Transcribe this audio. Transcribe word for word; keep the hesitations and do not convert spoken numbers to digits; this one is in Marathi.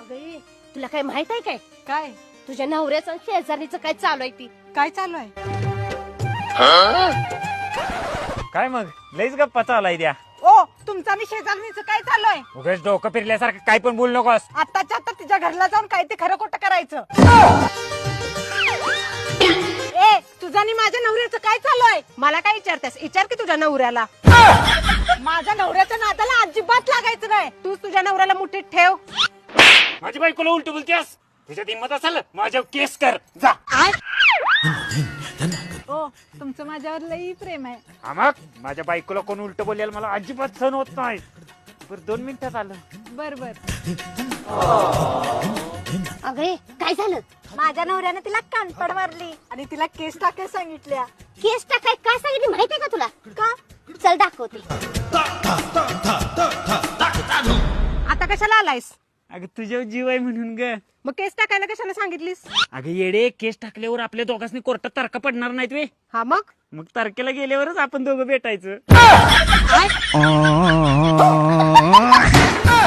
अगं तुला काय माहित आहे काय? काय तुझ्या नवऱ्याचं आणि शेजारणीचं काय चालू आहे ती? काय चालू आहे? काय मग लईच गप्पा चालाय द्या. ओ तुमचा आणि शेजारणीचं काय चालू आहे? उगाच डोकं फिरल्यासारखं काय पण बोलू नकोस. आताच्या आता तिच्या घरला जाऊन काय ते खरं खोटं करायचं. ए तुझा आणि माझ्या नवऱ्याचं काय चालू आहे? मला काय विचारतेस? विचार की तुझ्या नवऱ्याला. माझ्या नवऱ्याच्या नादाला अजिबात लागायचं नाही. तूच तुझ्या नवऱ्याला मुठीत ठेव. माझी बायकोला उलट बोलतेस. तुझ्या हिंमत असेल माझ्या केस कर जा. ओ तुमचं माझ्यावर लई प्रेम आहे. हा मग माझ्या बायकोला कोण उलट बोललेलं मला अजिबात सहन होत नाही. बरं दोन मिनिटात आलं. बर बर. अगं काय झालं? माझ्या नवऱ्याने तिला कानपड मारली आणि तिला केस टाकायला सांगितल्या. केस टाकाय काय सांगितली माहितीये का तुला? का? चल दाखवते. आता कशाला आलायस? अगं तुझ्या जीव आहे म्हणून ग. मग केस टाकायला कशाला सांगितलीस? अगं येडे केस टाकल्यावर आपल्या दोघांनी कोर्टात तारखा पडणार नाहीत वे. हा मग मग तारखेला गेल्यावरच आपण दोघं भेटायचं. काय?